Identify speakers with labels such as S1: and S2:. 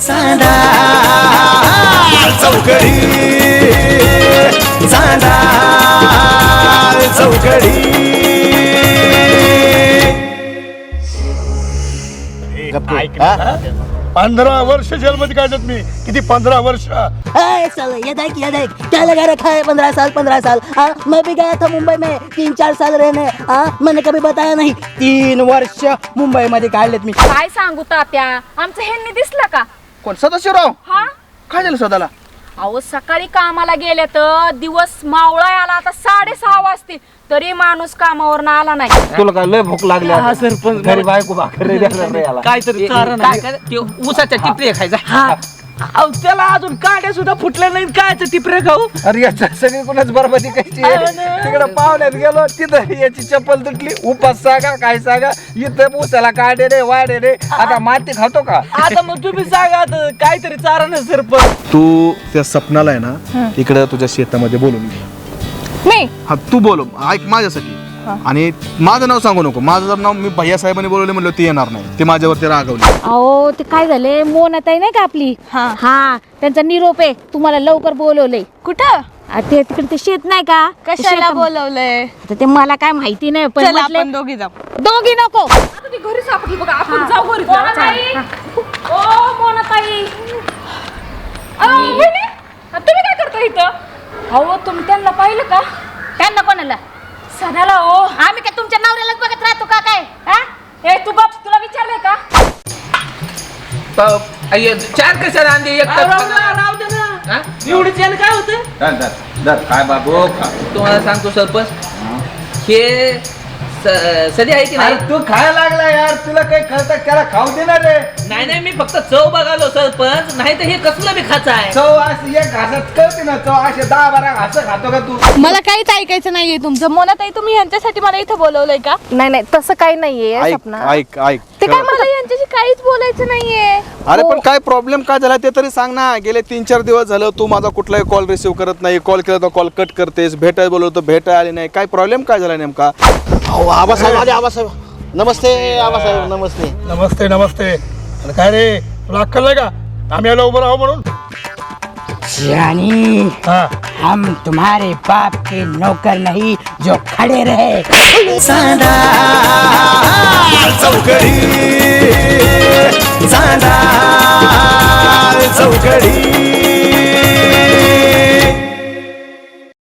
S1: चांदा चौकडी चांदा चौकडी
S2: 15 वर्ष जेलमध्ये काढत मी. किती 15 वर्ष?
S3: ये देख क्या लगा रखा है 15 साल मैं भी गया था मुंबई में 3-4 साल रहने मैंने कभी बताया नहीं 3 वर्ष मुंबई मध्ये काढलेत मी.
S4: काय सांगू तात्या, आमचं ह्यांनी दिसलं का?
S5: कोण सदाशिवराव?
S4: हा,
S5: काय झालं सदाला?
S4: अहो सकाळी कामाला गेले तर दिवस मावळा आला, आता 6:30 वाजते तरी माणूस कामावर आला नाही.
S5: तुला काय लय भूक लागली?
S6: हा सरपंच,
S5: घरी बायको भाकरी द्यायला रे याला.
S6: काहीतरी कारण
S5: काय काय ते ऊसाच्या टिपऱ्या खायचा.
S6: हा अहो त्याला अजून काड्या सुद्धा फुटल्या नाही, कायचं टिपरे खाऊ.
S5: अरे याच्या सगळी कोणाच बरबादी कशी तिकडे पाहुण्यात गेलो तिथं याची चप्पल तुटली. उपास सांगा काय सांगा, इथं ऊसाला काढे रे वाढे रे. आता माती खातो का?
S6: आता मग तुम्ही सांगा आता काहीतरी चारण आहे सरपंच.
S2: तू त्या सपनाला आहे ना इकडे तुझ्या शेतामध्ये बोलून घे.
S4: मी
S2: हा तू बोल, ऐक माझ्यासाठी. आणि माझं नाव सांगू नको. माझं जर नाव मी भैया साहेबांनी बोलवले म्हणलं ते येणार नाही. ते माझ्यावरती रागवले.
S7: अहो ते काय झाले, मोनाताई नाही का आपली, हा त्यांचा निरोप आहे, तुम्हाला लवकर बोलवलंय.
S4: कुठं?
S7: ते तिकडे ते शेत नाही का,
S4: कशाला बोलवलंय?
S7: आता ते मला काय माहिती नाही, पण म्हटले
S4: दोघी जाऊ.
S7: दोघी नको.
S4: ती घरी सापडली बघा, आपण जाऊ घरी. ओ मोनाताई, तुम्ही काय करता इथं? अहो तुम्ही त्यांना पाहिलं का?
S7: त्यांना कोणाला?
S4: सणाला. ओ
S7: आम्ही काय तुमच्या नवऱ्यालाच बघत राहतो का काय?
S4: ए तू बाप, तुला विचारलंय का?
S5: चार कशाला आणली? एक
S6: राव दे ना, एवढीच यानं काय होतं?
S5: काय बाबू तुम्हाला सांगतो सरपंच, हे सदी आहे की नाही? तू खायला लागला यार, तुला काही कळतं? त्याला खाऊ देणार रे.
S6: नाही मी फक्त चव बघालो सरपंच, नाही तर हे कसलं बी खायचं आहे.
S5: चव अशी एक घासात कळते ना. चव असे 10-12 घास खातो का तू?
S4: मला काहीच ऐकायचं नाहीये तुमचं. मोनाताई तुम्ही यांच्यासाठी मला इथं बोलवलंय का? नाही तसं काही नाहीये सपना.
S2: ऐक ऐक
S4: ते काय, मला यांच्याशी काहीच बोलायचं नाहीये.
S2: अरे पण काय प्रॉब्लेम काय झाला ते तरी सांग ना. गेले 3-4 दिवस झालं तू माझा कुठलाही कॉल रिसिव्ह करत नाही. कॉल केला तर कॉल कट करतेस. भेटायला बोलवतो भेटायला आले नाही. काय प्रॉब्लेम काय झाला नेमका?
S8: आबासाहेब आले. आबासाहेब नमस्ते. आबासाहेब नमस्ते.
S2: नमस्ते नमस्ते. अरे काय रे, तुला अक्कल नाही का आम्ही याला उभं राहू म्हणून?
S3: रानी,
S2: हा
S3: हम तुम्हारे बाप के नौकर नहीं जो खड़े रहे.
S1: चांदा चौकडी चांदा चौकडी